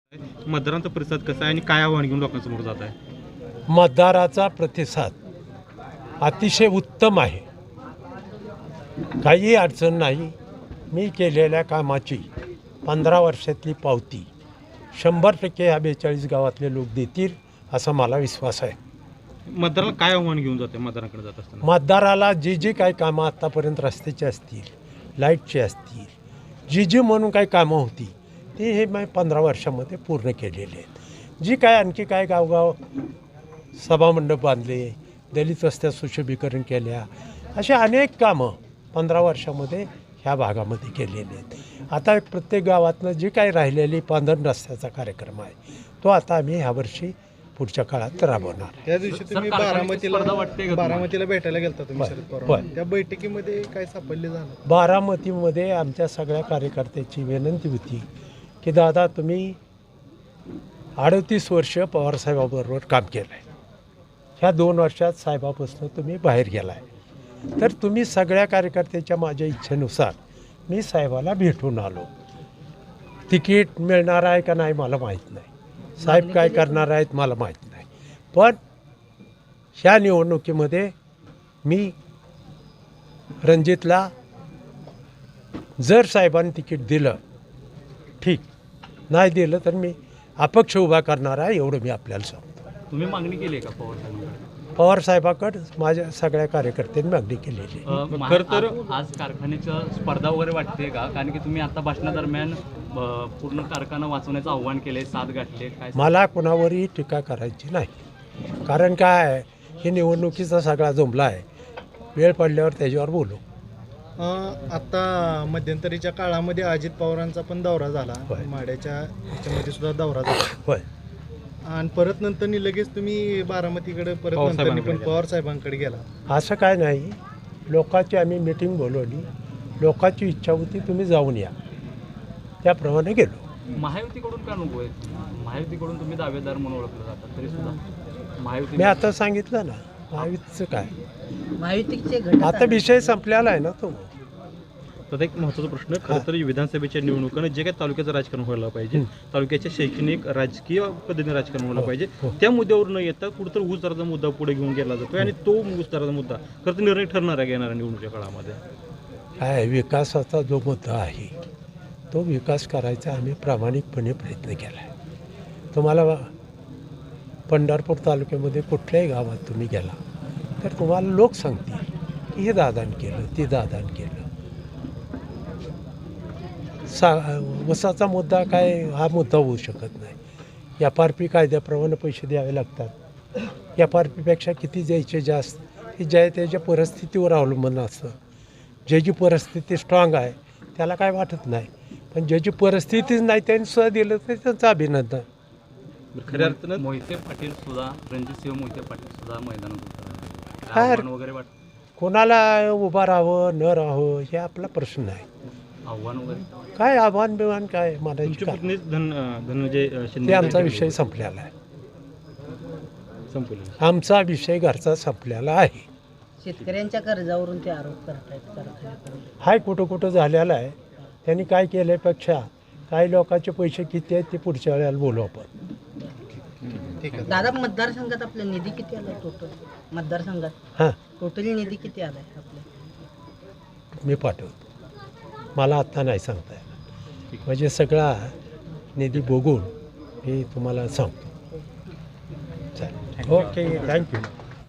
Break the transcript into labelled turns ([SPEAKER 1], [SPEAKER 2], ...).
[SPEAKER 1] मतदारांचा प्रतिसाद कसा आहे आणि काय आव्हान घेऊन लोकांसमोर जात आहे?
[SPEAKER 2] मतदाराचा प्रतिसाद अतिशय उत्तम आहे. काही अडचण नाही. मी केलेल्या कामाची 15 वर्षातली पावती 100% ह्या 42 गावातले लोक देतील असा मला विश्वास आहे.
[SPEAKER 1] मतदाराला काय आव्हान घेऊन जाते मतदारांकडे जात असताना?
[SPEAKER 2] मतदाराला जी काही कामं आत्तापर्यंत रस्त्याची असतील, लाईटची असतील, जी म्हणून काही कामं होती ती हे मी 15 वर्षामध्ये पूर्ण केलेली आहेत. जी काय आणखी काय गावगाव सभामंडप बांधले, दलित वस्त्या सुशोभीकरण केल्या, अशी अनेक कामं 15 वर्षामध्ये ह्या भागामध्ये केलेली आहेत. आता प्रत्येक गावातनं जी काही राहिलेली पांधरण रस्त्याचा कार्यक्रम आहे तो आता आम्ही ह्यावर्षी पुढच्या काळात राबवणार.
[SPEAKER 3] त्या दिवशी तुम्ही बारामतीला भेटायला गेलता तुम्ही शरद पवार, त्या बैठकीमध्ये काय सापडले झालं?
[SPEAKER 2] बारामतीमध्ये आमच्या सगळ्या कार्यकर्त्याची विनंती होती की दादा तुम्ही 38 वर्ष पवारसाहेबाबरोबर काम केलं आहे. ह्या 2 वर्षात साहेबापासून तुम्ही बाहेर गेला आहे, तर तुम्ही सगळ्या कार्यकर्त्याच्या माझ्या इच्छेनुसार मी साहेबाला भेटून आलो. तिकीट मिळणार आहे का नाही मला माहीत नाही, साहेब काय करणार आहेत मला माहीत नाही, पण ह्या निवडणुकीमध्ये मी रणजितला जर साहेबांनी तिकीट दिलं ठीक, नाही दिलं तर मी अपक्ष उभा करणार आहे एवढं मी आपल्याला सांगतो.
[SPEAKER 1] तुम्ही मागणी केली आहे का पवार साहेबांकडे?
[SPEAKER 2] पवार साहेबाकडे माझ्या सगळ्या कार्यकर्त्यांनी मागणी केलेली आहे.
[SPEAKER 1] खरं तर आज कारखान्याचं स्पर्धा वगैरे वाटते का? कारण की तुम्ही आता भाषणादरम्यान पूर्ण कारखाना वाचवण्याचं आव्हान केले, साथ गाठले, काय?
[SPEAKER 2] मला कोणावरही टीका करायची नाही. कारण काय आहे, ही निवडणुकीचा सगळा जुमला आहे. वेळ पडल्यावर त्याच्यावर बोलू.
[SPEAKER 3] आता मध्यंतरीच्या काळामध्ये अजित पवारांचा पण दौरा झाला,
[SPEAKER 2] होय.
[SPEAKER 3] माड्याच्या ह्याच्यामध्ये सुद्धा दौरा झाला,
[SPEAKER 2] होय.
[SPEAKER 3] आणि परत नंतरनी लगेच तुम्ही बारामतीकडे परत नंतरनी पण पवार साहेबांकडे गेला.
[SPEAKER 2] असं काय नाही. लोकांची आम्ही मीटिंग बोलवली, लोकांची इच्छा होती तुम्ही जाऊन या, त्याप्रमाणे गेलो.
[SPEAKER 1] महायुतीकडून का नको आहे? महायुतीकडून तुम्ही दावेदार म्हणून ओळखलं जातात तरी सुद्धा महायुती.
[SPEAKER 2] मी आता सांगितलं ना महायुतीचं काय,
[SPEAKER 4] महायुतीचे घटक
[SPEAKER 2] आता विषय संपलेला आहे ना तो.
[SPEAKER 1] तर एक महत्त्वाचा प्रश्न, खरं तर विधानसभेच्या निवडणुकांना जे काही तालुक्याचं राजकारण व्हायला पाहिजे, तालुक्याच्या शैक्षणिक राजकीय पद्धतीने राजकारण व्हायला पाहिजे, त्या मुद्द्यावर न येता कुठंतरी ऊस दराचा मुद्दा पुढे घेऊन गेला जातोय आणि तो ऊस दराचा मुद्दा खरं तर निर्णय ठरणार आहे येणाऱ्या निवडणुकीच्या काळामध्ये.
[SPEAKER 2] काय विकासाचा जो मुद्दा आहे तो विकास करायचा आम्ही प्रामाणिकपणे प्रयत्न केला आहे. तुम्हाला पंढरपूर तालुक्यामध्ये कुठल्याही गावात तुम्ही गेला तर तुम्हाला लोक सांगतील की हे दादान केलं, ते दादान केलं. वसाचा मुद्दा काय हा मुद्दा होऊ शकत नाही. FRP कायद्याप्रमाणे पैसे द्यावे लागतात. FRPपेक्षा किती द्यायचे जास्त हे ज्या त्याच्या परिस्थितीवर अवलंबून असतं. ज्याची परिस्थिती स्ट्रॉंग आहे त्याला काय वाटत नाही, पण ज्याची परिस्थितीच नाही त्यांनी सुद्धा दिलं तर त्यांचं अभिनंदन.
[SPEAKER 1] खऱ्या अर्थानं मोहिते पाटील सुद्धा, रणजितसिंह मोहिते पाटील सुद्धा मैदानात
[SPEAKER 2] काय
[SPEAKER 1] वगैरे वाटतं?
[SPEAKER 2] कोणाला उभं राहावं न राहावं हे आपला प्रश्न आहे.
[SPEAKER 1] आव्हान वगैरे
[SPEAKER 2] काय आव्हान बिव्हान काय मला
[SPEAKER 1] तुमच्या पत्नीच धनंजय
[SPEAKER 2] ते
[SPEAKER 1] शिंदे
[SPEAKER 2] आमचा विषय संपलेला आहे.
[SPEAKER 1] संपलं.
[SPEAKER 2] आमचा विषय घरचा संपलेला आहे.
[SPEAKER 4] शेतकऱ्यांच्या कर्जावरून ते आरोप करतायत कारखान्याकडून.
[SPEAKER 2] हाय कुठं झालेला आहे. त्यांनी काय केल्यापेक्षा काही लोकांचे पैसे किती आहेत ते पुढच्या वेळेला बोलू आपण.
[SPEAKER 3] ठीक आहे.
[SPEAKER 4] दादा, मतदारसंघात आपला निधी किती आला टोटल? मतदारसंघात
[SPEAKER 2] हां
[SPEAKER 4] टोटल निधी किती आलाय आपल्या?
[SPEAKER 2] मी पाठवतो. मला आत्ता नाही सांगता येणार. म्हणजे सगळा निधी बघून मी तुम्हाला सांगतो. चालेल. Okay, thank you.